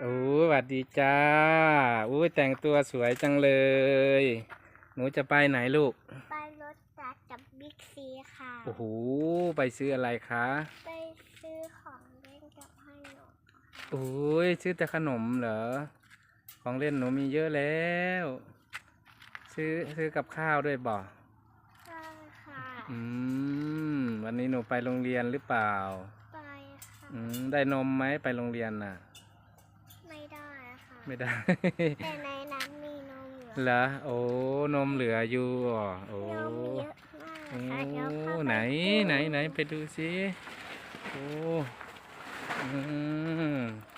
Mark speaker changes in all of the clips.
Speaker 1: โอ้สวัสดีจ้าอุ้ยแต่งตัวสวยจังเลยหนูจะไปไหนลูก
Speaker 2: ไปรถจักรกับบิ๊กซีค่ะ
Speaker 1: โอ้โหไปซื้ออะไรคะ
Speaker 2: ไปซื้อของเล่นกับให้หนู
Speaker 1: โอ้ยซื้อแต่ขนมเหรอของเล่นหนูมีเยอะแล้วซื้อกับข้าวด้วยบ่
Speaker 2: ใช่ค่ะ
Speaker 1: อืวันนี้หนูไปโรงเรียนหรือเปล่า
Speaker 2: ไปค่ะ
Speaker 1: ได้นมไหมไปโรงเรียนน่ะ
Speaker 2: ไม่ได้ค่ะ
Speaker 1: ไม่ได้
Speaker 2: แต่ในนั้นมีนมเหลือ
Speaker 1: เหรอโอ้นมเหลืออยู่โอ้
Speaker 2: นมเยอะมากค่ะเดี๋ยวเข้า
Speaker 1: ไหน
Speaker 2: ไป
Speaker 1: ไหนไปดูสิโอ้อืม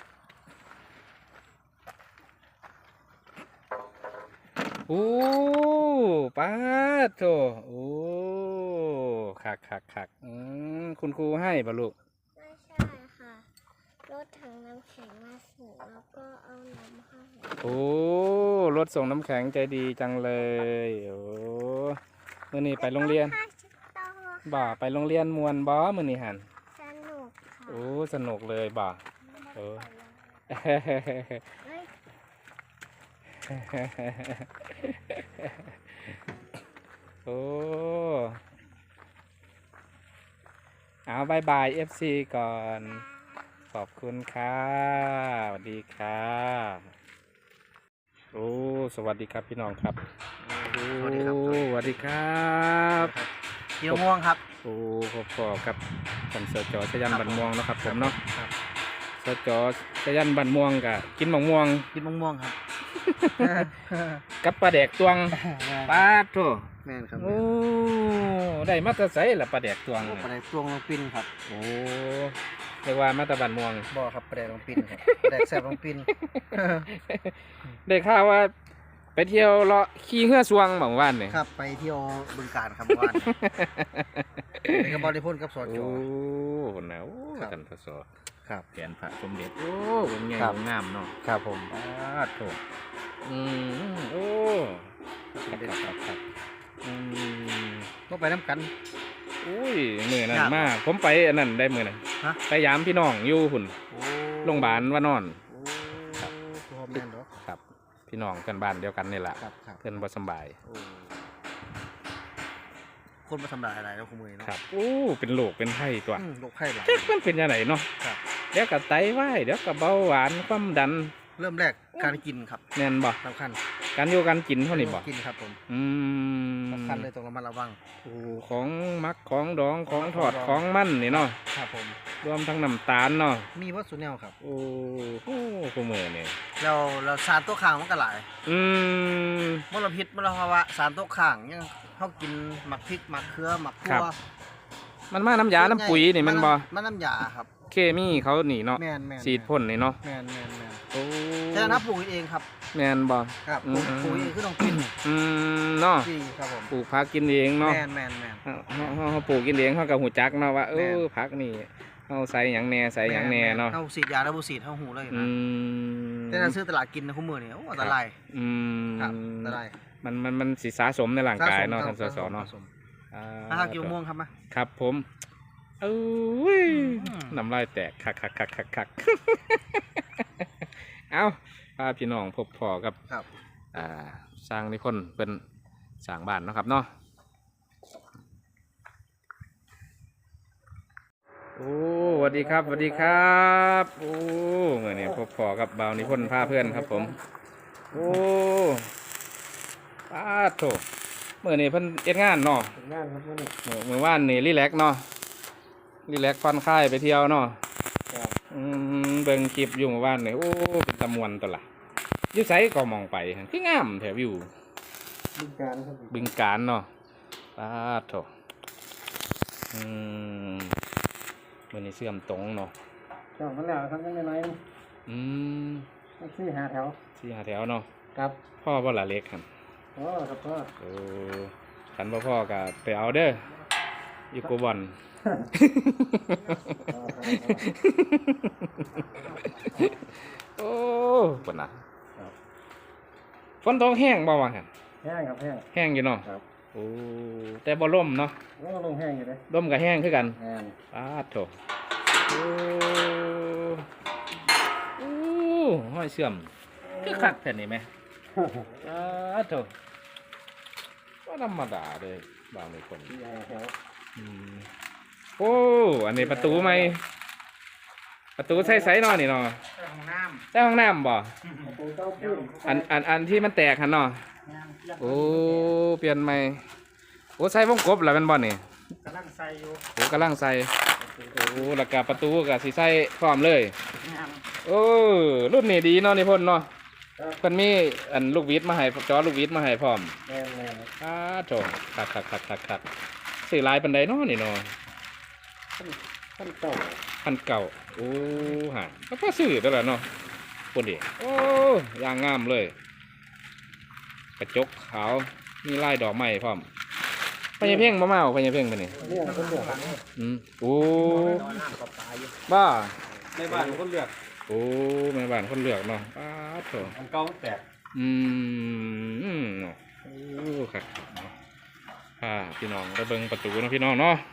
Speaker 1: โอ้ป้าโถโอ้คักคุณครูให้ป่ะลูก
Speaker 2: ไม่ใช่ค่ะรถถังน้ำแข็งมาส่งแล้วก็เอานมให้
Speaker 1: โอ้รถส่งน้ำแข็งใจดีจังเลยโอ้มื้อนี้ไปโรงเรียนบ่ไปโรงเรียนมวนบ่มื้อนี้หัน
Speaker 2: สนุกค่ะ
Speaker 1: โอ้สนุกเลยบ่โอ้โอ้เอาบายบาย FC ก่อนขอบคุณค่ะสวัสดีค่ะโอ้สวัสดีครับพี่น้องครับ
Speaker 3: สวัสดีครับ
Speaker 1: สวัสดีครับ
Speaker 3: เกี่ยวม่วงครับ
Speaker 1: โอ้พอกับท่านสจ.ชยันบันม่วงนะครับผมเนาะสจ.ชยันบันม่วงกับกินมะม่วง
Speaker 3: ครับ
Speaker 1: กับปลาแดกตวงปลาโถ
Speaker 3: แม่นครับ
Speaker 1: โอ้ได้มาตรใส่ละปลาแดกตวง
Speaker 3: ปลาแดกตวงลงปินครับ
Speaker 1: โอ้เรียกว่ามาตรบันม่วง
Speaker 3: บ่ครับปลาแดกลงปินครับปลาแดกแซ่บลงปิน
Speaker 1: ได้ข่าวว่าไปเที่ยวเลาะขี่เหือสวงบางวันเนี่ย
Speaker 3: ครับไปเที่ยวบึงกาฬครับวันไปกับบริพนธ์กับสจ.
Speaker 1: โอ้คนน่ะโอ้ท่านสส.
Speaker 3: ครับ
Speaker 1: แผนพระสมเด็จโอ้เป็นไงงามเนาะ
Speaker 3: ครับผม
Speaker 1: โถโอ้ครับ
Speaker 3: ก็ไปน้ำกัน
Speaker 1: อุ้ยมือนั่นมากผมไปอันนั้นได้มือนั่นไปยามพี่น้องอยู่หุ่นโรงพยาบาลว่านอนครับพี่น้องกันบ้านเดียวกันนี่แหละเพื่อนบ่สบาย
Speaker 3: คนมาทำลายอะไรแล้วคุณมือเนาะ
Speaker 1: ครับโอ้เป็นโรคเป็นไข้ตัว
Speaker 3: โรคไข้หลาย
Speaker 1: มันเป็นยังไงเนาะเดี๋ยวกับไตวายเดี๋ยวกับเบาหวานความดัน
Speaker 3: เริ่มแรกการกินครับ
Speaker 1: แน่นบ่
Speaker 3: สำคัญ
Speaker 1: การอยู่การกินเท่านี้บ่
Speaker 3: กินครับผมสำคัญเลยต้องระมัดระวัง
Speaker 1: ของมักของดองของทอดของมันนี่เนาะ
Speaker 3: ครับผม
Speaker 1: รวมทั้งน้ำตาลเนาะ
Speaker 3: มีวัตถุแนวครับ
Speaker 1: โอ้โหกูมือเนี่ย
Speaker 3: เราสารตัวข้างมันก็หลายมลพิษมลภาวะสารตัวข้างยังเขากินหมักพริกหมักเขือหมักทั่ว
Speaker 1: มันมาน้ำยาน้ำปุ๋ยนี่มันบ่
Speaker 3: มันน้ำยาครับ
Speaker 1: เคมีเขาหนีเนาะฉีดพ่นนี่เนาะ
Speaker 3: แมนโอ้แต่น้ำปลูกเองครับ
Speaker 1: แมนบ่
Speaker 3: ครับปลูกเองคือต้องกิน
Speaker 1: เนาะ
Speaker 3: ครับผม
Speaker 1: ปลูกผักกินเองเนาะ
Speaker 3: แมน
Speaker 1: เขาปลูกกินเองเขากับหูจักเนาะว่าผักนี่เขาใส่หยังแหน่ใส่หยังแหน่เนาะ
Speaker 3: เขาฉีดยาแล้วบุฉีดเขาหูเลยนะแต่ถ้าซื้อตลาดกินนะคุณมือเนี่ยโอ้อันตรายครับอันตราย
Speaker 1: มันสิสะสมในร่างกายเนาะท่านสสเนาะ
Speaker 3: ถ้ากินม่วงครับไหม
Speaker 1: ครับผมน้ำลายแตกคักเอาพาพี่น้องพบพ่อกับสร้างนิพนธ์เป็นสร้างบ้านนะครับเนาะโอ้สวัสดีครับสวัสดีครับโอ้เมื่อนี้พบพ่อกับบ่าวนิพนธ์พาเพื่อนครับผมโอ้ป้าโถเมื่อนี้เพิ่นเอ็ดงานเนาะ
Speaker 3: งานครับ
Speaker 1: เมื่อวานนี่รีแลกเนาะรีแลกผ่อนคลายไปเที่ยวเนาะเบิ่งคลิปอยู่เมื่อวานนี่โอ้เป็นตะมวนตัวละยิ่งใสก็มองไปคืองามแถววิว
Speaker 3: บึงกาฬครับ
Speaker 1: บึงกาฬเนาะป้าโถมันนี่เสื่อมตรงเนาะ
Speaker 3: จอดมาแล้วครับยังน้อย4-5 แถว
Speaker 1: 4-5 แถวเนาะ
Speaker 3: ครับ
Speaker 1: พ่อบ่ละเล็กครับ
Speaker 3: ครับพ่อ
Speaker 1: ขันพ่อก็ไปเอาเด้ออยู่กูบอนโอ้ปนนะฝนตกแห้งบ่วะครับ
Speaker 3: แห้งครับ
Speaker 1: แห้งอยู่เนาะโอ้แต่บ่ล่มเนาะ
Speaker 3: ลมแห้งอยู่เลย
Speaker 1: ล่มกับแห้งคือกัน
Speaker 3: แห้ง
Speaker 1: โถโอ้ห้อยเสื่อมคือคักแผ่นนี้ไหมโถก็ธรรมดาเลยบางคนอืมโอ้อันนี้ประตูไหมประตูใส่ๆเนาะนี่เนาะใส่ห้องน้ำบ่อันที่มันแตกหันเนาะโอ้เปลี่ยนใหม่โอ้ใส่วงกบแล้วเป็นบ่นี่
Speaker 3: กำลังใส่อยู่
Speaker 1: โอ้กำลังใส่โอ้แล้วก็ประตูก็สิใส่พร้อมเลยโอ้รุ่นนี้ดีเนาะนี่พ่นเนาะเพิ่นมีอันลูกวิทย์มาให้จอลูกวิทย์มาให้พร้อมโถคักซื้อหลายปานใดเนาะนี่เนาะ
Speaker 3: ขั้นเก่า
Speaker 1: พันเก่าโอ้ฮะก็พอซื้อแล้วล่ะเนาะคนดิโอ้ยางงามเลย กระจกขาวมีลายดอกไม้พร้อมพญาเพ่งมาเมาพญาเพ่งไปนี่
Speaker 3: เรื่องคนเลือก
Speaker 1: โอ้
Speaker 3: น้ำกับปลาอยู่
Speaker 1: บ้า
Speaker 3: ในบ้านคนเลือก
Speaker 1: โอ้แม่บ้านคนเลือกเนาะป้าดโถ
Speaker 3: อันเก่าแตก
Speaker 1: เนาะโอ้ครับพี่น้องไปเบิ่งประตูเนาะพี่น้องเนาะ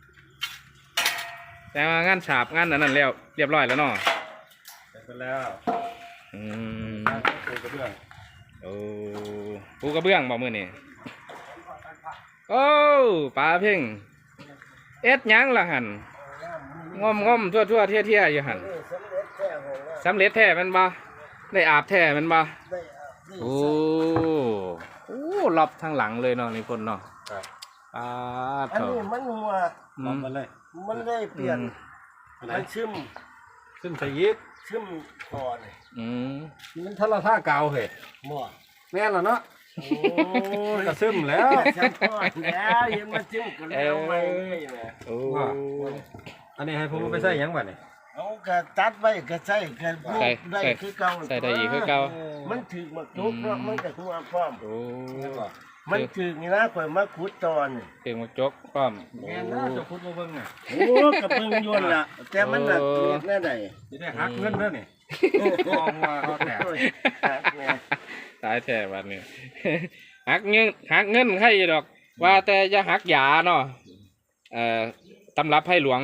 Speaker 1: แต่ว่างานฉาบงานนั้นแล้วเรียบร้อยแล้วเนาะ
Speaker 3: เสร็จไปแล้ว
Speaker 1: อืม
Speaker 3: ปูกระเบื้อง
Speaker 1: โอ้ปูกระเบื้องบอกมือนี่โอ้ปลาเพ่งเอ็ดหยังละหันงอมทั่วเที่ยอยู่หันสำเร็จแท้มันบ่ได้อาบแท้มันบ่โอ้รอบทางหลังเลยเนาะนี่คนเนาะปลา
Speaker 3: อัน
Speaker 1: เถอะ
Speaker 3: นี้มันหัว
Speaker 1: มันเลย
Speaker 3: มันได้เปลี่ยนมันซึมใส่ยิบซึมคอเลย
Speaker 4: มันทะเลาะท่ากาวเหรอ
Speaker 3: หม้อ
Speaker 4: แม่นแล้วเนาะ
Speaker 3: โอ้
Speaker 4: กระซึมแล้ว
Speaker 3: แซ่บพอแล้วยังมาซึมกันแล้วไม่เลยแหม
Speaker 1: โอ้
Speaker 4: อันนี้ให้ผมเอาไปใส่หยังบ่เนี่ย
Speaker 3: เอากระตัดไว้กระใส่กระลูกได้คือเก่า
Speaker 1: ใส่ได้อีกคือเก่า
Speaker 3: มันถึกมาทุกเนาะมันก็หัวพร้อม
Speaker 1: โอ้
Speaker 3: มันถึกนี่นะข่อยมาขุดตอนนี่
Speaker 1: เพียงมาจกพร้อม
Speaker 4: แม่นนะเจะพูดมาเบิ่งน่ะ
Speaker 3: โอ้กระเพิ่งยวนล่ะแต่มันน่ะเม็ดแน่ใด
Speaker 4: สิได้หักเงินเด้อนี่กองว่าเขาแตก
Speaker 3: โอ้ยหักแม่
Speaker 1: ตายแท้วันนี้ หักเงินใครดอก ว่าแต่จะหักยาเนาะตำรับให้หลวง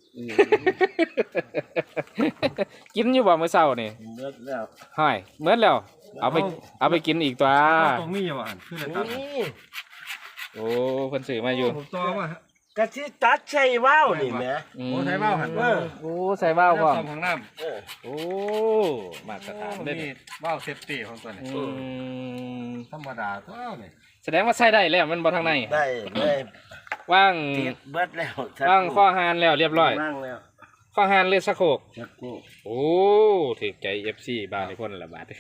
Speaker 1: กินอยู่บ่เมื่อเช้านี่
Speaker 3: เบิดแล้ว
Speaker 1: ห้อยเมื่อแล้วเอาไปกินอีกตัว
Speaker 4: ตรงนี้อยู่อ่ะคือได้ตัด
Speaker 3: นี่
Speaker 1: โอ้เพิ่นซื้อมาอยู่
Speaker 4: ผมต่อว่าก
Speaker 3: ะสิตัดใส่ว่าวนี่แหม
Speaker 4: โอ้ใส่ว่าวหั่น
Speaker 1: โอ้ใส่ว่าวพร้อม
Speaker 4: ซ่อมของน้ำ
Speaker 3: เออ
Speaker 1: โอ้มาตรฐาน
Speaker 4: เด้
Speaker 1: เด้อ
Speaker 4: ว่าวเซฟตี้ของตัวนี้
Speaker 1: อืม
Speaker 4: ธรรมดาตัวนี่
Speaker 1: แสดงว่าใส่ได้แล้วมันบ่ทางใน
Speaker 3: ได้เลย
Speaker 1: ว่าง
Speaker 3: ติดเบิดแล้ว
Speaker 1: ว่างข้อหานแล้วเรียบร้อย
Speaker 3: ว่างแล้ว
Speaker 1: ข้อหานเลือดสะโคก
Speaker 3: จักนี่
Speaker 1: โอ้ถือใจ FC บางในคนละบาท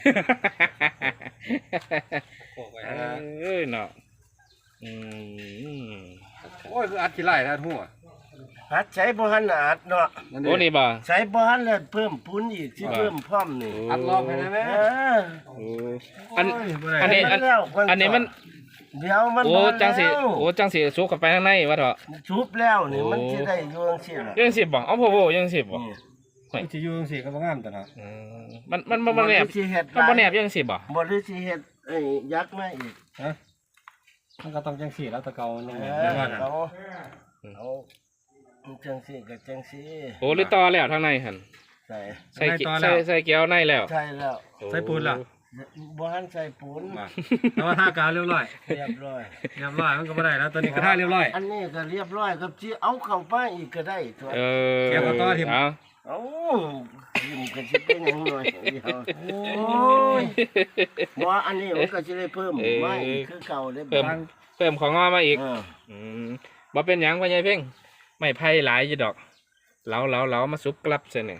Speaker 4: โอ้ย
Speaker 1: เอ้ยเนาะอืม
Speaker 4: โอ้ยคืออัดขี้ไล่ท่านหัว
Speaker 3: หัดใช้บ่หันอัดเนาะ
Speaker 1: โอ้นี่บ่
Speaker 3: ใช้บ่หันแล้วเพิ่มปุ้นอีกสิเพิ่มพร้อมนี่
Speaker 4: อัดรอบให้ได้ไหม
Speaker 3: เออ
Speaker 1: โอ้อัน
Speaker 4: โยบ่ได้
Speaker 1: อันนี้
Speaker 3: แล้วค
Speaker 1: อันนี้มัน
Speaker 3: เดี๋ยวมัน
Speaker 1: โอ้
Speaker 3: บ่
Speaker 1: จังสิ
Speaker 3: แล้ว
Speaker 1: โอ้จังสิสุกเข้าไปข้างในวะเถอะ
Speaker 3: ชุบแล้วนี่
Speaker 1: โอ้
Speaker 3: มันสิได้อยู่จังซี่ล่ะ
Speaker 1: ยังสิบบ่เอาโพโพยังสิบบ่
Speaker 3: นี่
Speaker 4: มันสิอยู่จังซี่ก็บ่งามตัวเนาะ
Speaker 1: มันแนบ
Speaker 3: สิเฮ็ด
Speaker 1: มันบ่แนบยังสิบบ่
Speaker 3: บ่ได้สิเฮ็ดไอ้ยักษ์มาอีก
Speaker 4: ฮะมันก็ต้องจังซี่แล้วแตะเกานี่
Speaker 3: เอ
Speaker 4: แม่
Speaker 3: อน
Speaker 4: ว่าน่ะ
Speaker 3: เอาจังซี่ก็จังซี่
Speaker 1: โอ้หรือต่อแล้วทางในหั่น
Speaker 3: ใส่
Speaker 1: ใส่เกี๊ยวในแล้ว
Speaker 3: ใช่แล้ว
Speaker 1: โอ้
Speaker 4: ใส่ปูนล่ะ
Speaker 3: บ่หันใส่ปูน
Speaker 4: ว่าแต่ว่าท่ากาวเรียบร้อย
Speaker 3: เรียบร้อย
Speaker 4: เรียบร้อยมันก็บ่ได้แล้วตัวนี้ก็ท่าเรียบร้อย
Speaker 3: อันนี้ก็เรียบร้อยครับที่เอาเข้าไปอีกก็ได้ตัว
Speaker 1: เออ
Speaker 4: เกี๊ยวกับต่อทิ่ม
Speaker 1: เอา
Speaker 3: เอายิ้มก็สิเป็นหยังหน่อยเดียวโอ้ยบ่อันนี้มันก็สิได้เพิ่มไม่คือเก่าได้
Speaker 1: เพิ่มของงอมาอีก
Speaker 3: เออ
Speaker 1: บ่เป็นหยังพ่อใหญ่เพ่งไม่ไผ่หลายอยู่ดอกเหลามาซุปกลับซะนี่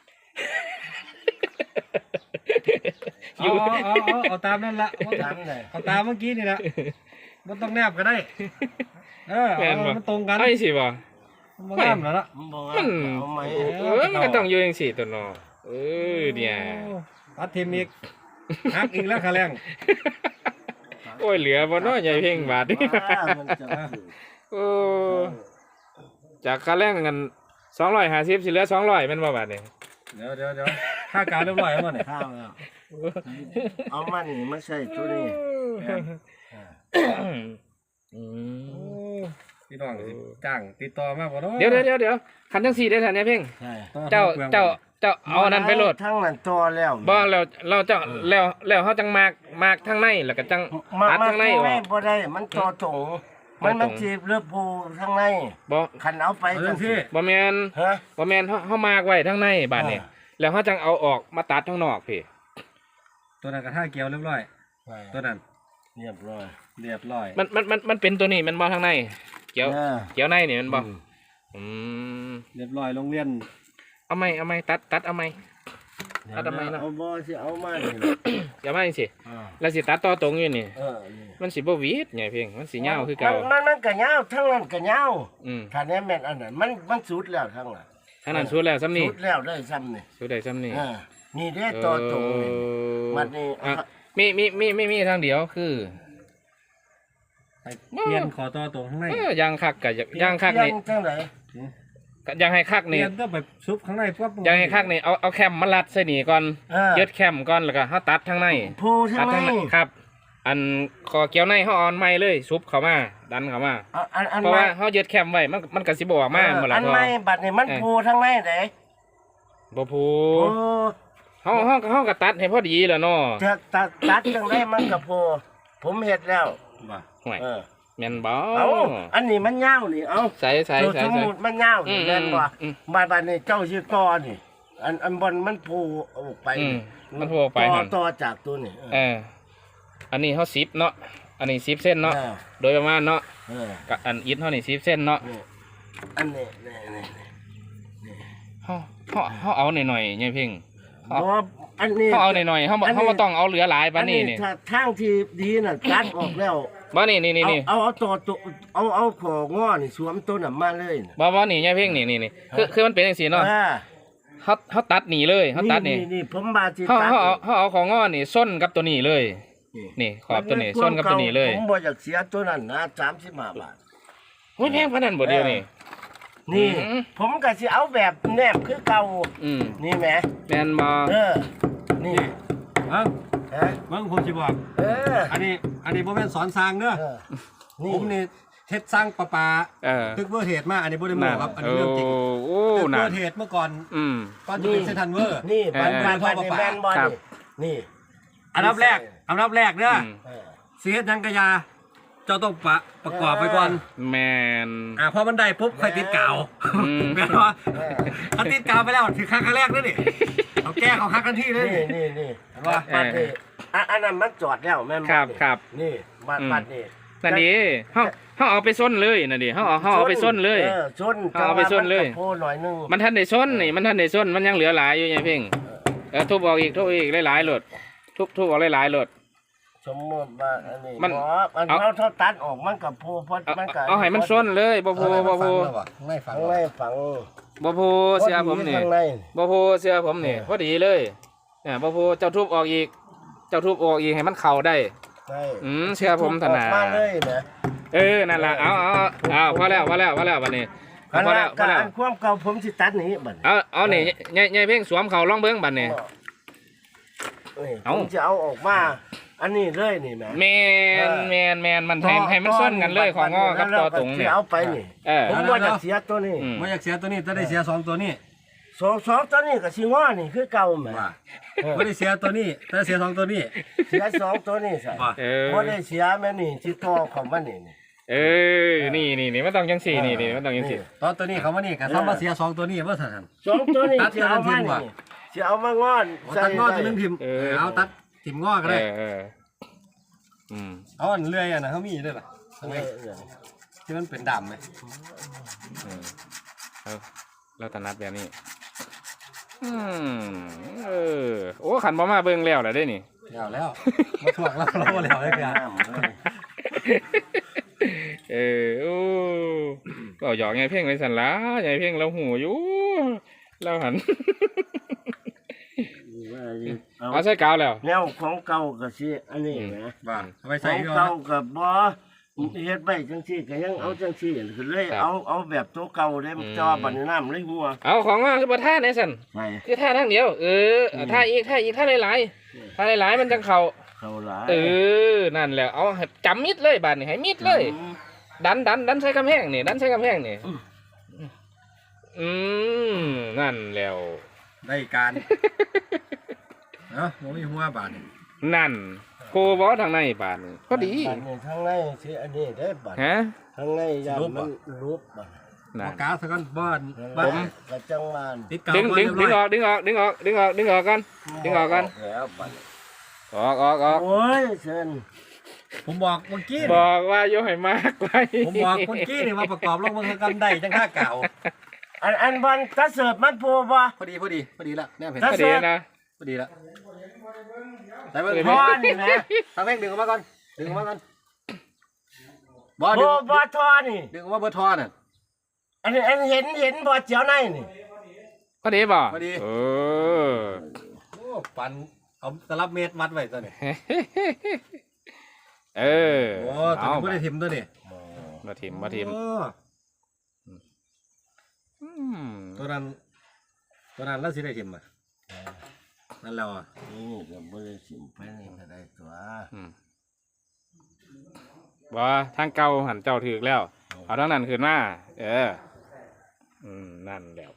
Speaker 4: เอาตามนั่นละ
Speaker 3: ตามได้
Speaker 4: เอาตามเมื่อกี้นี่ละมันต้องแนบก็ได้เอามันตรงกัน
Speaker 1: ไอ้สิบ่
Speaker 4: มันงามแล้วล่ะ
Speaker 3: บ่
Speaker 1: มัน
Speaker 3: เอาไหม
Speaker 1: มันก็ต้องอยู่จังซี่ตัวเนาะเนี่ย
Speaker 4: ตัดทีมอีกหักอีกแล้วขาแรง
Speaker 1: โอ้ยเหลือบ่เนาะใหญ่เพ่งบาทนี่
Speaker 3: มันจะถือ
Speaker 1: โอ้จากค่าแรงกัน250สิเหลือ200แม่นบ่บาทนี่
Speaker 4: เดี๋ยวท่ากาวเรียบร้อยแล้วมั้งเนี่ย
Speaker 3: ข้าวแล้วเอามันนี่มาใส่ตัวนี้
Speaker 4: พี่น้องจ้างติดต่อมากกว่าเนาะ
Speaker 1: เดี๋ยวคันจังซี่ได้ทันเนี่ยเพ่ง
Speaker 3: ใช่
Speaker 1: เจ้าเจ้าเอาอันนั้นไปโหลด
Speaker 3: ทั้งนั้นต่อแล้ว
Speaker 1: บ่แล้วเราเจ้าแล้วเขาจังมากทางในแล้วก็จัง
Speaker 3: มา
Speaker 1: ตัด
Speaker 3: มา
Speaker 1: ทางใน
Speaker 3: ข้าง
Speaker 1: อ
Speaker 3: ใน
Speaker 1: อก
Speaker 3: บ่ได้มันต่อตรงมันจีบเลือบโพข้างใน
Speaker 1: บ่
Speaker 3: คันเอาไป
Speaker 4: เอา
Speaker 3: จั
Speaker 4: จั
Speaker 3: ง
Speaker 4: ง
Speaker 3: ซี่
Speaker 4: ซี่
Speaker 1: บ่แม่น
Speaker 3: ฮะ
Speaker 1: บ่แม่นเฮามากไว้ทางในบาดนี้แล้วเขาจังเอาออกมาตัดทางนอกพี่
Speaker 4: ตัวนั้นกระท่าเกี่ยวเรียบร้อยตัวนั้น
Speaker 3: เรียบร้อย
Speaker 4: เรียบร้อย
Speaker 1: มันเป็นตัวนี้มันบ่ทางในเกี่ยว
Speaker 3: เออ
Speaker 1: เกี่ยวในนี่มันบ่อืม
Speaker 4: เรียบร้อยโรงเรียน
Speaker 1: เอาไหมตัดเอาไหม เอาทำไมล่ะ
Speaker 3: เอาบ่สิเอามานี่
Speaker 1: อย่ามาจังซี่
Speaker 3: อ่า
Speaker 1: แล้วสิตัดต่อตรงอยู่นี่
Speaker 3: นี่
Speaker 1: มันสิบ่หวีดใหญ่เพียงมันสิยาวคือเก่า
Speaker 3: มันก็ยาวทั้งนั้นก็ยาว
Speaker 1: อืม
Speaker 3: ถ้าแน่แม่นอันนั้นมันสุดแล้วทั้งนั้น
Speaker 1: อันนั้นสุดแล้วซ้ำนี่
Speaker 3: สุดแล้วได้ซ้ำนี่
Speaker 1: สุดได้ซ้ำนี่
Speaker 3: นี่ได้ต่อตรงนี่มันนี่
Speaker 1: อ่ะมีทางเดียวคือ
Speaker 4: ไปเปลี่ยนขอต่อตรงข้างใน
Speaker 1: ยางคักกับยางคักนี่
Speaker 3: จังได๋
Speaker 1: ยางให้คัก
Speaker 4: เปลี่
Speaker 1: นี่
Speaker 4: ยนก็ไปซุปข้างในปั๊บ
Speaker 1: ยางให้คักนี่เอาแคมมารัดใส่นี่ก่อนยึดแคมก่อนแล้วก็เฮาตัดทางใน
Speaker 3: ผู้ทั้
Speaker 1: ตั
Speaker 3: ง
Speaker 1: ด
Speaker 3: ใน
Speaker 1: ทางในครับ อันคอเกี่ยวในเฮาเออนไม้เลยซุปเข้ามาดันเข้ามา
Speaker 3: อัน
Speaker 1: เพราะว่าเฮายึดแคมไว้มันก็สิบ่ออกมาหมดล่ะ
Speaker 3: อัน
Speaker 1: พอ
Speaker 3: ใหม่บัดนี้มันผู้ทั้งในเด้
Speaker 1: บ่พู
Speaker 3: โอ้
Speaker 1: เฮาก็ตัดให้พอดีแหล้วเนาะ
Speaker 3: จะตัดจังได๋มันก็ผู้ผมเฮ็ดแล้ว
Speaker 4: ว่า
Speaker 1: ห่วย
Speaker 3: เออ
Speaker 1: แม่นบ่
Speaker 3: เอาอันนี้มันยาวนี่เอา
Speaker 1: ใส่
Speaker 3: ตัวสมุดมันยาวนี่แม่นบ่
Speaker 1: อืม
Speaker 3: บาดนี้เจ้าชื่อกอนี่อันบนมันผูออกไป
Speaker 1: อืมมันผูออกไปหั่น
Speaker 3: ต่อจากตัวนี่
Speaker 1: อันนี้เขา10เนาะอันนี้10เส้นเนาะโดยประมาณเนาะ
Speaker 3: เออ
Speaker 1: กับอันอิฐเฮานี่10เส้นเนาะ
Speaker 3: นี่อันนี้นี่
Speaker 1: เฮาเอาหน่อยๆใหญ่เพ่ง
Speaker 3: บ่อันนี้
Speaker 1: เฮาเอาหน่อยๆเฮาบ่
Speaker 3: อันนี้
Speaker 1: เฮาบ่ต้องเอาเหลือหลายปานนี้นี่
Speaker 3: ถ้าทางที่ดีน่ะตัดออกแล้ว
Speaker 1: บ่นี่
Speaker 3: เอาตัวเอาของอนี่สวมตัวน่ะมาเลยน่ะ
Speaker 1: บ่นี่ใหญ่เพ่งนี่คือมันเป็นจังซี่เนาะ
Speaker 3: อ่า
Speaker 1: เฮาตัดนี่เลยเฮาตัดนี่
Speaker 3: นี่ผมบาสิ
Speaker 1: เฮา
Speaker 3: ตัด
Speaker 1: เอาของงอนี่ส้นกับตัวนี้เลย นี่ขอบตัวนี้ส้นกับตัวนี้เลย
Speaker 3: ผมบ่อยากเสียตัวนั้นนะ35 บาท
Speaker 1: โอ้ยแพงปานนั้นบ่เดียวนี่
Speaker 3: นี่
Speaker 1: อืม
Speaker 3: ผมก็สิเอาแบบแนบคือเก่า
Speaker 1: อืม
Speaker 3: นี่แหม
Speaker 1: แม่นบ่
Speaker 3: นี่
Speaker 4: เอ้า
Speaker 3: ฮะ
Speaker 4: เบิ่งผมสิบอก
Speaker 3: เออ
Speaker 4: อันนี้บ่แม่นสอนสร้างเด้อ
Speaker 3: เออ
Speaker 4: ผมนี่เฮ็ดสร้างประปา
Speaker 1: เออ
Speaker 4: ตึกเวอร์เทดมาอันนี้บ่ได้โม้ครับอันนี้เรื่องจริง
Speaker 1: โอ้
Speaker 4: ตึก
Speaker 1: น่ะ
Speaker 4: เวอร์เทดเมื่อก่อน
Speaker 1: อืม
Speaker 4: ก่อนจะเป็นเซนทรัลเวอร์
Speaker 3: นี่บัน
Speaker 1: เออ
Speaker 3: บันบัน
Speaker 4: เออ
Speaker 3: นี่แมนบอล
Speaker 1: ครับ
Speaker 3: นี่
Speaker 4: อันดับแรกเด้อ
Speaker 1: อืม
Speaker 3: เออ
Speaker 4: สิเฮ็ดหยังกะยาเจ้าต้องประกอบไปก่อน
Speaker 1: แมน
Speaker 4: พอมันได้ปุ๊บค่อยติดกาว
Speaker 1: อืม
Speaker 4: แม่นบ่ถ้าติดกาวไปแล้วถือครั้งแรกเด้อนี่เอาแก้เขาคักกันที่เลย
Speaker 3: นี่นี่
Speaker 4: เห็นปะ
Speaker 3: บันนี่อันนั้นมันจอดแล้วแม่น
Speaker 1: ครับครับ
Speaker 3: นี่บันนี่
Speaker 1: นั่นดิเฮาเอาไปส้นเลยนั่นดิเฮาเอาไปส้นเลย
Speaker 3: ส้น
Speaker 1: เอาไปส้นเลย
Speaker 3: โพหน่อยนึง
Speaker 1: มันทันได้ส้นนี่มันทันได้ส้นมันยังเหลือหลายอยู่ไงเพ่งทุบออกอีกหลายๆโหลดทุบออกหลายๆโหลด
Speaker 3: สมมติว่าอันนี้
Speaker 1: มัน
Speaker 3: มัน
Speaker 1: เอา
Speaker 3: เขาตัดออกมันกับโพเพราะมันกับ
Speaker 1: เอาให้มันส้นเลยบ่พู
Speaker 4: ไม่ฟัง
Speaker 3: ข้างในฝัง
Speaker 1: บ่พูเสียผมนี่
Speaker 3: ข้างใน
Speaker 1: บ่พูเสียผมนี่พอดีเลยบ่พูเจ้าทุบออกอีกให้มันเข้าได้
Speaker 3: ใช่
Speaker 1: เชื่อผมถนัด
Speaker 3: ออกมาเลยนะ
Speaker 1: นั่นล่ะเอาพอแล้วบัดนี้
Speaker 3: อัน
Speaker 1: พอ
Speaker 3: ละ
Speaker 1: แล้ว
Speaker 3: การอันความเก่าผมสิตัดนี้บัดนี้
Speaker 1: เอานี่ใหญ่เพ่งสวมเข่าลองเบิ่งบัดนี้
Speaker 3: ผ
Speaker 1: เอา
Speaker 3: มจะเอาออกมา อันนี้เลยนี่แหม
Speaker 1: แมนมันให้มันส้นกันเลยของงอกับต่อตรงเนี่ย
Speaker 3: จะเอาไปนี่ ผมบ่อยากเสียตัวนี้
Speaker 1: อืม
Speaker 4: บ่อยากเสียตัวนี้จะได้เสียสองตัวนี้
Speaker 3: สองตัวนี้กับสิงอนี่คือเก่าแหม
Speaker 4: ว่าบ่ได้เสียตัวนี้แต่เสียสองตัวนี้
Speaker 3: เสียสองตัวนี้ใส่
Speaker 4: ว่า
Speaker 3: บ่ได้เสียแม่นี่ที่ต่อของมันนี่
Speaker 1: นี่มันต้องจังสี่นี่มันต้องจังสี่
Speaker 4: ตอนตัวนี้เขามานี่ก็ทำมาเสียสองตัวนี้ว่าซั่น
Speaker 3: สองตัวนี้
Speaker 4: ตัด
Speaker 3: จะเอามา
Speaker 4: เดี๋ยวเราทิ้งว่ะ
Speaker 3: นี่จะเอามางอน
Speaker 4: ตัดงอตัวนึงพิมพ์เอาตัดทิมงอก็ได้ เอาอันเลื่อยอ่ะนะเขามีด้วยป่ะที่มันเป็นดำไหม
Speaker 1: เราถนัดแบบนี้โอ้ขันบ่มาเบิ่งแล้วแหละได้นี่
Speaker 4: แล้วมาถ่วงเราแล้วได้กัน
Speaker 1: โอ้ก็หยอกไงเพ่งเลยสันละไงเพ่งเราหูอยู่เราหันเอาใส่กาวแล้ว
Speaker 3: แนวของเก่าก็สิอันนี้แหม
Speaker 4: ว่าเอาไป
Speaker 3: ข
Speaker 4: ใส่
Speaker 3: อง
Speaker 4: ก็
Speaker 3: เก่ากับบ่เฮ็ดไว้จังซี่ก็ยังเอาจังซี่คือเลยเอาแบบตัวเก่าได้มันจอบัดนี้น้ำเลยหัว
Speaker 1: เอาของมาคือบ่ท่าไหนสัน
Speaker 3: ใช่
Speaker 1: คือท่าทั้งเดียวท่าอีกท่าหลายมันจังเข่า
Speaker 3: เข้าหลาย
Speaker 1: นั่นแหละเอาให้จำมิดเลยบาดนี่ให้มิดเลย ดันใส่กำแพงนี่นั่นแล้ว
Speaker 4: ได้การเนาะบ่มีหัวบาดนี่
Speaker 1: นั่นโกบอทางในบาทนี่พอดี
Speaker 3: บัดนี้ทางในสิอันนี้ได้บัด
Speaker 1: ฮะ
Speaker 3: ทางในยันมันรูปบัด
Speaker 1: นั่
Speaker 4: บ่
Speaker 1: น
Speaker 4: กาซะก่อนบ่อน
Speaker 3: ผมกระจังหวาน
Speaker 4: ติดกาว
Speaker 1: ดึง
Speaker 4: ก่อน
Speaker 1: ดึง
Speaker 4: เรียบ
Speaker 1: ดึง
Speaker 4: ร้
Speaker 1: อ
Speaker 4: อย
Speaker 1: อกดึงออกดึงออกดึงออกดึงออกกัน ดึงออกกัน
Speaker 3: แล้วบัด
Speaker 1: ออก
Speaker 3: โอ้ยเชิญ
Speaker 4: ผมบอกเมื่อกี้
Speaker 1: บ
Speaker 4: นี่
Speaker 1: อกว่าโยให้มากไว้
Speaker 4: ผมบอกเมื่อกี้นี่ว่าประกอบลงมันกันได้จังค่าเก่า
Speaker 3: อันบันกระเสิร์ฟมันพูบ่
Speaker 4: พอดีละแน่เห็น
Speaker 1: พอดีนะ
Speaker 4: พอดีละแต่เบิ่ง
Speaker 3: พอนี่นะ
Speaker 4: ทางเพ่งดึงออกมาก่อนดึงออกมาก่อนบ่
Speaker 3: โบ
Speaker 4: ดึง
Speaker 3: บ่ทอนี่
Speaker 4: ดึงออกมาเบอร์ทอน่ะ
Speaker 3: อันเห็นบ่เจียวในนี่
Speaker 1: พอดีบ่
Speaker 4: พอดี
Speaker 1: เออ
Speaker 4: โอ้ปันเอาตลับเมตรวัดไว้ตัวนี้
Speaker 1: เออ
Speaker 4: โอ้ตัวนี้บ่ได้ทิมตัวนี้
Speaker 1: มาทิม
Speaker 4: โอ้
Speaker 1: อืม
Speaker 4: ตัวนั้นแล้วสิได้ทิมอ่ะนั่นแล้วอ่ะ
Speaker 3: นี่ก็บ่ได้สิมไปนี่ก็ได้ตัว
Speaker 1: บ่ทางเก่าหันเจ้าถือแล้ว เอาทางนั้นขึ้นมานั่นแล้ว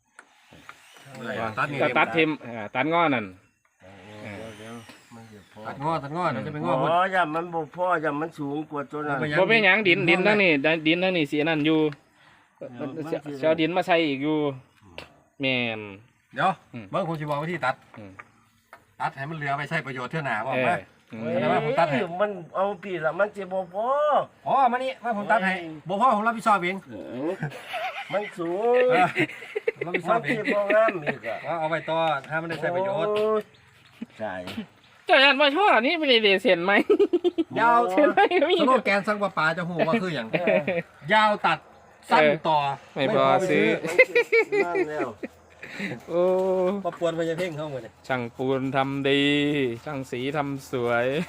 Speaker 4: ตัดนี่
Speaker 1: ก็ตัดทิมตัดง้อนั่น
Speaker 3: เดี๋ยวมันจะพอ
Speaker 4: ตัดงอเดี๋ยวจะไปงอหมด
Speaker 3: อ๋อย่ามันบ่พอย่ามันสูงกว่าตัวนั้น
Speaker 1: บ่เป็นหยังดินทั้งนี้ดินทั้งนี้สีนั่นอยู่เสียดินมาใส่อีกอยู่แม่น
Speaker 4: เดี๋ยว
Speaker 1: อืม
Speaker 4: เบิ่งผมสิบอกวิธีตัด
Speaker 1: อืม
Speaker 4: ตัดให้มันเหลือไปใช้ประโยชน์เท่าหนาบอก
Speaker 1: เอ
Speaker 4: ไหม
Speaker 1: ออืม
Speaker 3: เอ้ย
Speaker 4: แต่ว่าผมตัดให้
Speaker 3: มันเอาปีละมันจะบ่พอ
Speaker 4: อ๋อมานี่มาผมตัดให้บ่พ่อผมรับผิดชอบเอง
Speaker 3: มันสูง
Speaker 4: เออผมรับผิดช
Speaker 3: มั
Speaker 4: อน บเอ
Speaker 3: ที่
Speaker 4: ง
Speaker 3: บ่งามอีกอ่ะ
Speaker 4: ว่าเอาไปต่อถ้ามันได้ใช้ประโยชน์
Speaker 3: โอ้ยใช่
Speaker 1: เจ้ายันมาช่อนี่ไม่ได้เส้นไหม
Speaker 4: ยาว
Speaker 1: เส้นไหมก็มี
Speaker 4: สโลแกนสังปะปาจะหูว่าคืออย่างยาวตัดสั้นต่อ
Speaker 1: ไม่พอซื้อ
Speaker 3: นั่นแล้ว
Speaker 1: โอ้
Speaker 4: มาปวนพญาเพ่งเข้ามาเนี่ย
Speaker 1: ช่างปูนทำดี ช่างสีทำสวย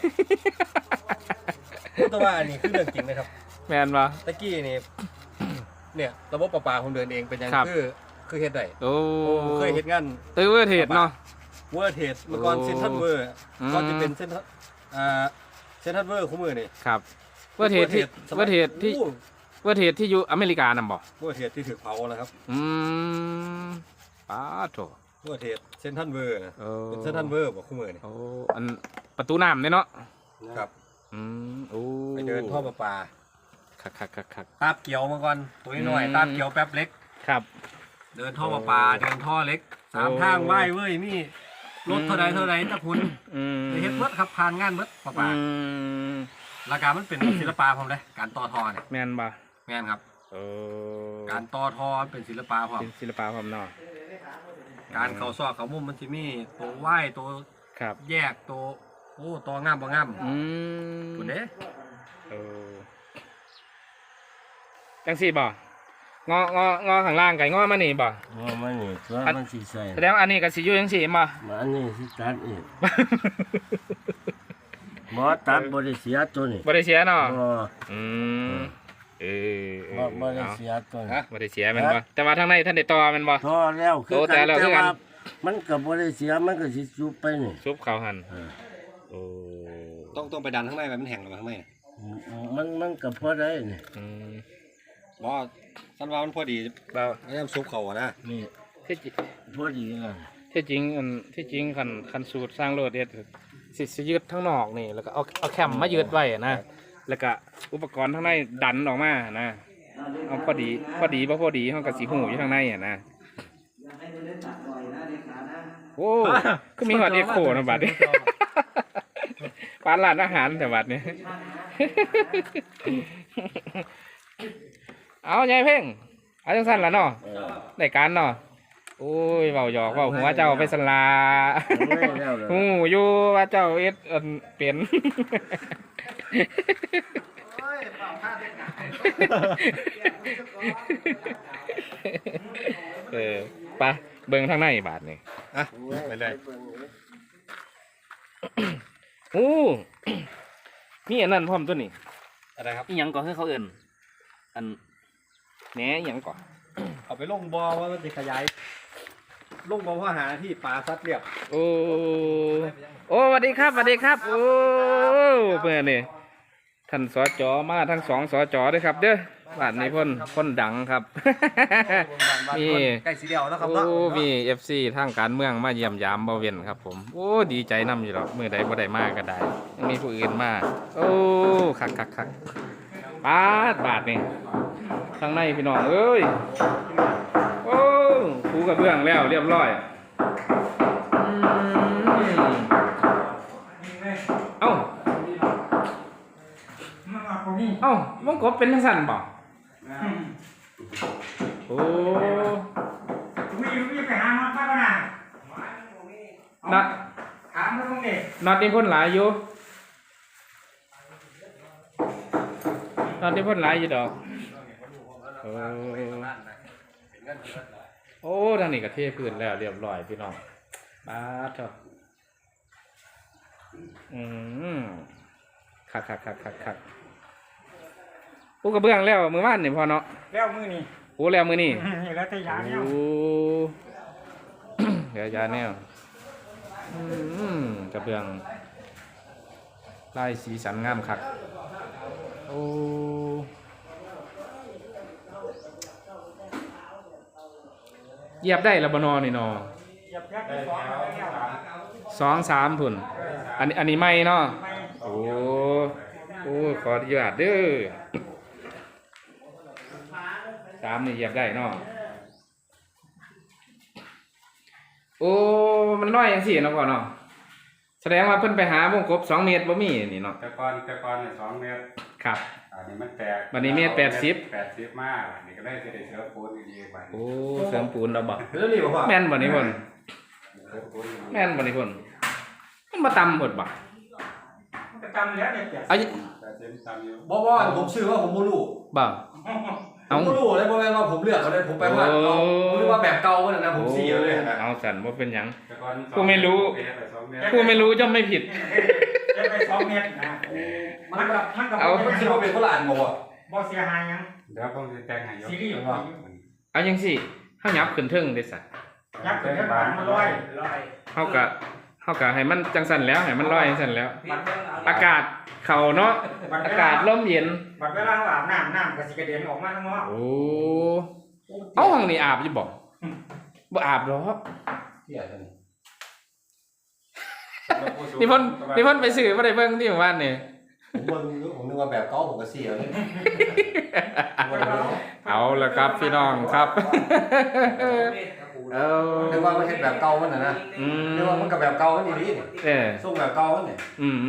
Speaker 4: พูดแต่ว่าอันนี้คือเรื่องจริงนะครับ
Speaker 1: แมนปะ
Speaker 4: ตะกี้นี่เนี่ยระบบประปาผมเดินเองเป็นยัง
Speaker 1: ครับ
Speaker 4: คือเฮ็ดได้
Speaker 1: โอ้
Speaker 4: ผมเคยเฮ็ดงาน
Speaker 1: ตื้อเวอร์เทดเนาะ
Speaker 4: เวอร์เทสเมื่อก่อน
Speaker 1: โอ้
Speaker 4: เซนทรัลเวอร์
Speaker 1: อืม
Speaker 4: ก่อนจะเป็นเซนทรัลเซนทรัลเวอร์คู่มือนี่
Speaker 1: ครับเวอร์เทดที่เวอร์เทดที่เวอร์เทดที่อยู่อเมริกานำบ่
Speaker 4: เวอร์เทสที่ถือเผาแล้วครับ
Speaker 1: อืมป้าโถ
Speaker 4: เวอร์เทสเซนทรัลเวอร์นะ
Speaker 1: โอ้
Speaker 4: เป็นเซนทรัลเวอร์บอกคู่มือนี่
Speaker 1: โอ้อันประตูน้ำเนี่ยเนาะ
Speaker 4: ครับ
Speaker 1: อืมโอ้
Speaker 4: ไปเดินท่อประปา
Speaker 1: คัก
Speaker 4: ตาบเกี่ยวมาก่อนตัวน้อย
Speaker 1: อืม
Speaker 4: ตาบเกี่ยวแป๊บเล็ก
Speaker 1: ครับ
Speaker 4: เดินท่อประปาเดินท่อเล็กสาม
Speaker 1: โอ้
Speaker 4: ทางไหว้เว้ยมีรถเท่าใดตะคุณ
Speaker 1: อืม
Speaker 4: ไปเฮ็ดเบิดครับผ่านงานเบิดประปา
Speaker 1: อืม
Speaker 4: ราคามันเป็นศิลปะผมเลยการต่อท่อเนี่ย
Speaker 1: แมนปะ
Speaker 4: แม่นครับ
Speaker 1: โอ้
Speaker 4: การต่อท่อเป็นศิลปะผม
Speaker 1: เป็นศิลปะความเนาะ
Speaker 4: การเขาซอกเขามุมมันสิมีตัวไหว้ตัว
Speaker 1: ครับ
Speaker 4: แยกตัวโอ้ตัวงามบ่งาม
Speaker 1: อืม
Speaker 4: ตัวเด้
Speaker 1: เออจังสี่บ่งอข้างล่างไก่งอมานี่บ่
Speaker 3: ว่ามันนี่ตัวมันสิใส่
Speaker 1: แสดงว่าอันนี้ก็สิอยู่จังสี่บ่
Speaker 3: มาอันนี้สิตัดอีกบ่ตัดบ่ได้เสียตัวนี้
Speaker 1: บ่ได้เสียเนาะ
Speaker 3: บ่
Speaker 1: อืมเออ
Speaker 3: บ่ได้เสียตัวนี้
Speaker 1: บ่ได้เสียแม่นบ่แต่ว่าทางในท่านได้ต่อแม่นบ่
Speaker 3: พอแล้วคือ
Speaker 1: โตแต่แล้วคือกัน
Speaker 3: มันก็บ่ได้เสียมันก็สิจุบไปนี่
Speaker 1: ซุปข้าวหั่น
Speaker 3: เออ
Speaker 1: โอ้
Speaker 4: ต้องไปดันข้างในมันแห้งข้างใน
Speaker 3: มันก็พอได้นี่
Speaker 1: อืม
Speaker 4: บ่สันว่ามันพอดี
Speaker 1: บ่าว
Speaker 4: ไอ้ซุปเขาอะนะ
Speaker 3: นี่
Speaker 1: ที่จริง
Speaker 3: พอดีกัน
Speaker 1: ที่จริงคันสูตรสร้างโลดเด็ดสิยืดทั้งนอกนี่แล้วก็เอาแคมมายืดไว้นะแล้วก็อุปกรณ์ทั้งในดันออกมานะเอาพอดีบ่พอดีเฮาก็สิหูอยู่ข้างในอ่ะนะโอ้ก็มีฮอดเอ็กโคนะบัดนี้ ปานร้านอาหารแต่บัดนี้ เอายายเพ่งเอาจังซั่นล่ะเนาะได้การเนาะโอ้ยเว้าหยอกเว้าหัวเจ้าไปสลา ฮู้อยู่ว่าเจ้าเอ็ดอันเป็น ไปเบิ่งทางในบาทนี่
Speaker 4: อ่ะไปเลย
Speaker 1: โอ้ มีอันนั้นพร้อมตัวนี้
Speaker 4: อะไรครับ
Speaker 1: อีหยังก่อนให้เขาเอิ้นอันแหนอีหยังก่อน
Speaker 4: เอาไปลงบ่อว่ามันจะขยายลงบ่อเพราะหาที่ปลาซัดเรียบ
Speaker 1: โอ้โอ้สวัสดีครับสวัสดีครับโอ้เพื่อนนี่ท่านสจมาทั้งสองสจด้วยครับเด้อบ้านนี้พ่นดังครับ มี
Speaker 4: ใกล้สีเดียวแล้วครับ
Speaker 1: โอ้
Speaker 4: เนาะ
Speaker 1: มี FC ทางการเมืองมาเยี่ยมยามบ่เว้นครับผมโอ้ดีใจนํอยู่หรอกมื้อใดบ่ได้มาก็ได้ยังมีผู้อื่นมาโอ้คักปาดบาดนี่ข้างในพี่น้องเอ้ยโอ้ปูกระเบื้องแล้วเรียบร้อยเอ้ามังกบเป็นจังซั่นบ่โอ้
Speaker 4: มีไปหามาป้าก็น่ะ
Speaker 1: นัด
Speaker 4: ถามแล้วมึงเด็ก
Speaker 1: นัดนี่พ่นหลายอยู่นัดนี่พ่นหลายอยู่ดอกโอ้ทางนี้ก็เทพื้นแล้วเรียบร้อยพี่น้องบาดเถอะคักปูกระเบื้องแล้วมือว่านนี่พอเนาะ
Speaker 4: แล้วมือนี่
Speaker 1: ปูแล้วมือนี่
Speaker 4: นี่แล้วแต่ยาเนี่ย
Speaker 1: โอ้ เดี๋ยวยาแนวกระเบื้องลายสีสันงามคักโอ้เหยียบได้ละบนอนี่นอ
Speaker 4: ยับยับสองแล้ว
Speaker 1: 2-3พุ่นอันนี้ไม่เนาะโอ้ขออนุญาตเด้อ3นี่เหยียบได้เนาะโอ้มันน้อยจังซี่เนาะพ่อเนาะแสดงว่าเพิ่นไปหาวงกบ2 เมตรบ่มีนี่เนาะ
Speaker 5: แต่ก่อนเนี่ย2 เมตร
Speaker 1: ครับ
Speaker 5: อันนี้มันแตก
Speaker 1: บัดนี้เมตร80
Speaker 5: 80มากอันนี้ก็ได้สิได้เสือปูนดีๆกว่า
Speaker 1: โอ้เสริมปูนเราบ่
Speaker 4: แล้วนี่บอกว่า
Speaker 1: แม่นบ่นี่พ่น
Speaker 5: เสือปูน
Speaker 1: แม่นบ่นี่พ่นมันมาต่ำหมดบ่
Speaker 4: ประจำแล้วเนี่ย
Speaker 1: เอา
Speaker 5: 80ตามอยู่
Speaker 6: บอกว่าผมชื่อว่าผมบ่รู้
Speaker 1: บ่
Speaker 6: ผ
Speaker 1: เอา
Speaker 6: มบ่รู้เลยเพราะว่าผมเลือกเขาเลยผมไปว่าเอาผมรู้ว่าแบบเก่าก็นะผมเสียเลยนะ
Speaker 1: เอาสั่นบ่เป็นหยัง
Speaker 5: แต่ก่อน
Speaker 1: ผู้ไม่รู้
Speaker 5: 2 เมตร
Speaker 1: ผู้ไม่รู้ย่อมไม่ผิด
Speaker 4: จะไป2 เมตรนะมันก็
Speaker 1: เอา
Speaker 6: มันคิดว่าเป็นคนละอันบ่วะ
Speaker 4: บ่เสียหายยัง
Speaker 5: เดี๋ยวผมจะแต่งให้ยก
Speaker 4: ซีรีส์
Speaker 1: เอาจังซี่เฮายับขึ้นเทิงได้ซะ
Speaker 4: ยับถึงแค่บานมาร้อย
Speaker 1: เฮาก็ให้มันจังสั่นแล้วให้มันลอยจังสั่นแล้ว อากาศเข้าเนาะอากาศลมเย็น
Speaker 4: บัดเวลาอาบน้ำก็สิกระเด็นออกมาข้างนอก
Speaker 1: โอ้เอาห้องนี้อาบอยู่บ่บ่อาบหรอก
Speaker 6: เสียเลย
Speaker 1: นี่เพิ่นไปซื้อบ่ได้เบิ่งที่หมู่บ้านนี่
Speaker 6: ผมนึกว่าแบบเก่าผมก็เสียเลย
Speaker 1: เอาละครับพี่น้องครับเอา
Speaker 6: นึกว่ามันเฮ็ดแบบเก่ามันน่ะนะนึกว่ามันก็แบบเก่ามันดีๆนี่
Speaker 1: เออ
Speaker 6: ส่งแบบเก่ามันนี่
Speaker 1: อืม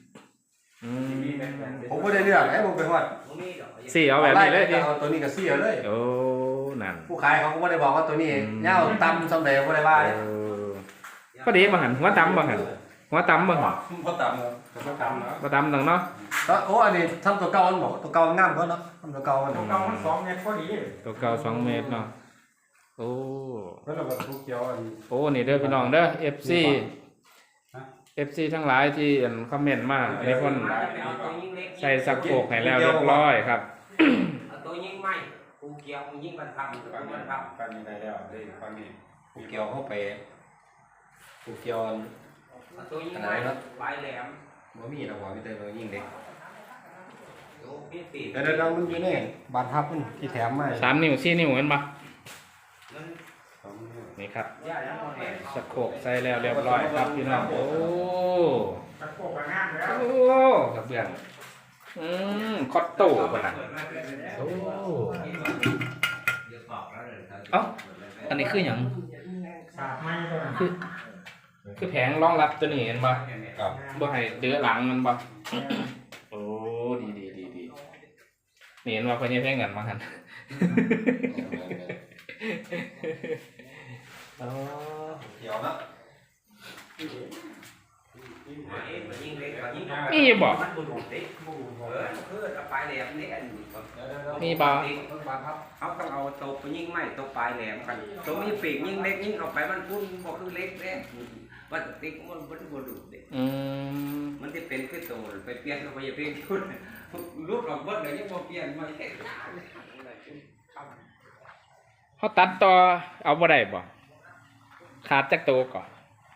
Speaker 6: ผมบ่ได้เลือกผมไปฮอด
Speaker 1: สี่เอาแบบนี้เลยดิ
Speaker 6: เอาตัวนี้ก็เสียเลย
Speaker 1: โอ้นั่น
Speaker 6: ผู้ขายเขาก็บ่ได้บอกว่าตัวนี้ยาวต่ำซำใดบ่ได้ว่าเลย
Speaker 1: พอดีบ่หันหัวตำบ่หันหัวตำบ่หัน
Speaker 6: บ่ต่ำ
Speaker 5: ก็ตามแล้ว
Speaker 1: บ่ตำตังเนาะ
Speaker 6: โอ้อันนี้ทำตัวเก่ามันบ่ตัวเก่างามกว่าเนาะทำตัวเก่ามัน
Speaker 4: ตัวเก่ามัน2 เมตรพอดี
Speaker 1: ตัวเก่า2 เมตรเนาะโอ้
Speaker 5: แล้วเราก็ทุกเกี่ยวอัน
Speaker 1: โอ้นี่เด้อพี่น้องเด้อ FC ทั้งหลายที่คอมเมนต์มาอันนี้เพิ่นใส่สักโคกให้แล้วเรียบร้อยครับ
Speaker 7: ตัวยิ่งไม่กูเกี่ยวมึงยิ่งมันทำมันท
Speaker 5: ฟันนี้ได้แล้วได้ฟังนี้
Speaker 6: ผูเกี่ยวเข้าไปผูเกี่ยว
Speaker 7: ำตัวยิ่งไม่ปลายแหลม
Speaker 6: บ่มีดอกว่ามีแต่เรายิ่งเด็ก
Speaker 7: โอ้พี่ปีก
Speaker 6: เดี๋ยวมันอยู่ในบานทับมันที่แถมมา
Speaker 1: 3 นิ้ว4 นิ้วเห็นปะ
Speaker 7: นั่น
Speaker 1: นี่ครับ
Speaker 7: ย่าแล้วแหลม
Speaker 1: สักโคกใส่แล้วเรียบร้อยครับพี่น้องโอ้
Speaker 4: ตะโกกงามแล้ว
Speaker 1: โอ้กระเบื้องคอตโต้ป่ะนะโอ้เอ้าอันนี้คืออย่าง
Speaker 4: สาดไม้ตัวนั้น
Speaker 1: คือแผงรองรับตัวนี้เห็นป่ะ
Speaker 6: ครับ
Speaker 1: บ่ให้เดือหลังมันป่ะโอ้ดีนี่เห็นว่าเพิ่นยังแพงกันมาหันอ๋อ
Speaker 6: เกี่ยวนะ
Speaker 7: ยิ่งเล็กยิ่ง
Speaker 1: มีบ่
Speaker 7: มันบุรุษเด็กคือปลายแหลมนี่อัน
Speaker 1: มีบ่
Speaker 7: เขาต้องเอาตัวไปยิ่งไม่ตัวปลายแหลมกันตัวมีปีกยิ่งเล็กยิ่งเข้าไปมันพุ่นบอกคือเล็กแน่มันติ๊กมันบุรุษเด็ก มันจะเป็นคือตัวไปเปลี่ยนไปอย่าเปลี่ยนชุดรูดออกเบิดเลยยังบ่เปลี่ยนมาแค่
Speaker 1: เขาตัดต่อเอาบ่ได้บ่ขาดจักโตวก่อน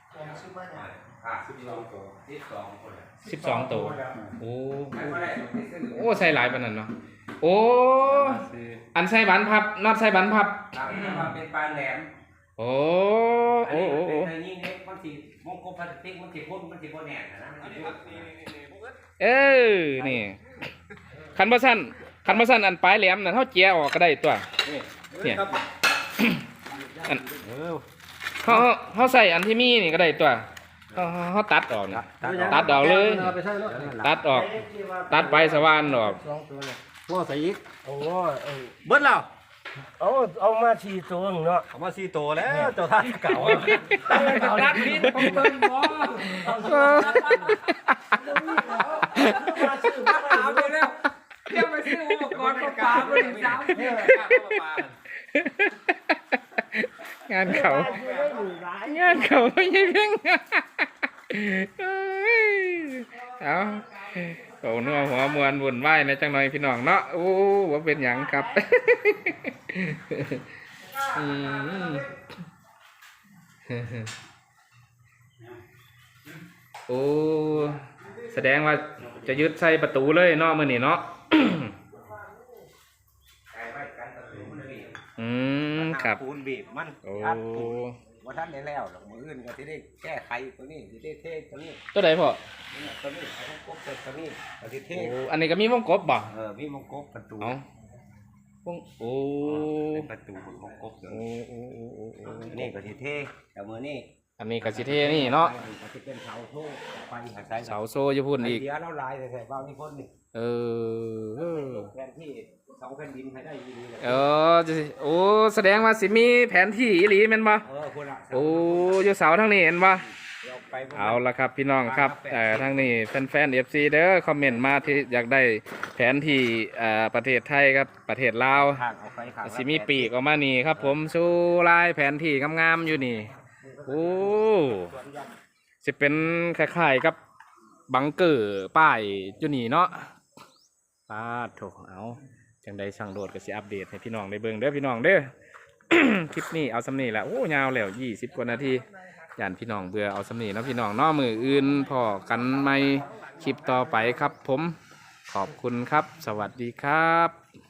Speaker 5: 12ตัว
Speaker 7: 12คน
Speaker 1: 12 ตัวโอ้
Speaker 7: ไม่ได้
Speaker 1: โอ้ใส่หลายปานนั้นเนาะโอ้อันใส่บันพับน็อตใส่บันพับ
Speaker 7: ครับนี่ว่าเป็นปลายแหลม
Speaker 1: โอ้
Speaker 7: อัน
Speaker 1: โอ้
Speaker 7: นี้
Speaker 1: โอ้
Speaker 7: เป็
Speaker 1: โอ้
Speaker 7: นในยิ่งเล็กมันสิมงคลพลาสติกมันสิพ่นมันสิบ่แน่นนะมันสิพ่น
Speaker 1: เออนี่คันบ่สั้นอันปลายแหลมนั่นเฮาเจียออกก็ได้ตัวเนี่ยอันเฮาใส่อันที่มีนี่ก็ได้ตัวเฮาตัดออกนะตัดออกเลย
Speaker 4: ไปใช่แล้ว
Speaker 1: ตัดออก ตัดไปสว่านออก
Speaker 4: ง้อใส่อีก
Speaker 3: โอ้ย
Speaker 6: เบิดแล้ว
Speaker 3: เอามา4ตัวเนาะ
Speaker 6: เอามา4โตแล้วเจ้าท่านเก่า
Speaker 7: ตัดพิษของเบิ่งบ่ เอาไปแล้วเที่ยวไปซื้ออุปกรณ์ประปาบริษัท
Speaker 1: งานเขาไม่ใช่เพียงเอาเขาเนื้อหัวมวนวุ่นวายนะจังหน่อยพี่น้องเนาะโอ้ว่าเป็นหยังครับโอ้แสดงว่าจะยึดใส่ประตูเลยเนาะมื้อนี้เนาะครับ
Speaker 7: ปูนบีบมัน
Speaker 1: โอ้
Speaker 7: ว่าท่านได้แล้วหรอกมืออื่นก็ที่ได้แก้ไขตัวนี้ที่ได้เทตัวนี้
Speaker 1: ตัวใดพ่อ
Speaker 7: ตัวนี้ไอ้พวกตัวนี้ตัวที่เท
Speaker 1: โอ้อันนี้ก็มีวงกบบ่
Speaker 7: พี่มงกบประตู
Speaker 1: เอาวงโอ้
Speaker 7: เป็นประตูมงกบ
Speaker 1: โอ้โอ้โอ้โอ้โอ้
Speaker 7: นี่ก็ที่เทแต่มือนี่
Speaker 1: อันนี้ก็สิเทนี่เนาะ
Speaker 7: ก็จะเป็นเสาโซ่ไฟหาสาย
Speaker 1: เสาโซ่อยู่พุ่นอีก
Speaker 7: เดียวเราลายแต่บ้านนี่คนนี่
Speaker 1: เออ
Speaker 7: แทนที่เสาแผ่นดินให้ได้ดีเลย
Speaker 1: จะสิโอ้แสดงว่าสิมีแผนที่อีหลีแม่นบ่
Speaker 7: คนละ
Speaker 1: โอ้อยู่เสาทางนี้เห็นบ่
Speaker 7: เราไป
Speaker 1: เอาละครับพี่น้องครับทางนี้แฟนๆ FC เด้อคอมเมนต์มาที่อยากได้แผนที่ประเทศไทยครับประเทศลาว
Speaker 7: ทางเอาไปขาง
Speaker 1: สิมีปีกออกมานี่ครับผมสู้ลายแผนที่งามๆอยู่นี่โอ้สิเป็นคล้ายๆกับบังเกอร์ป้ายอยู่นี่เนาะป้าดโถเอาจังใดสั่งโดดก็สิอัปเดตให้พี่น้องได้เบิ่งเด้อพี่น้องเด้อ คลิปนี้เอาสำนีละโอ้ยาวแล้ว20 กว่านาทีย่านพี่น้องเบื่อเอาสำนีเนาะพี่น้องเนาะมืออื่นพอกันไหมคลิปต่อไปครับผมขอบคุณครับ สวัสดีครับ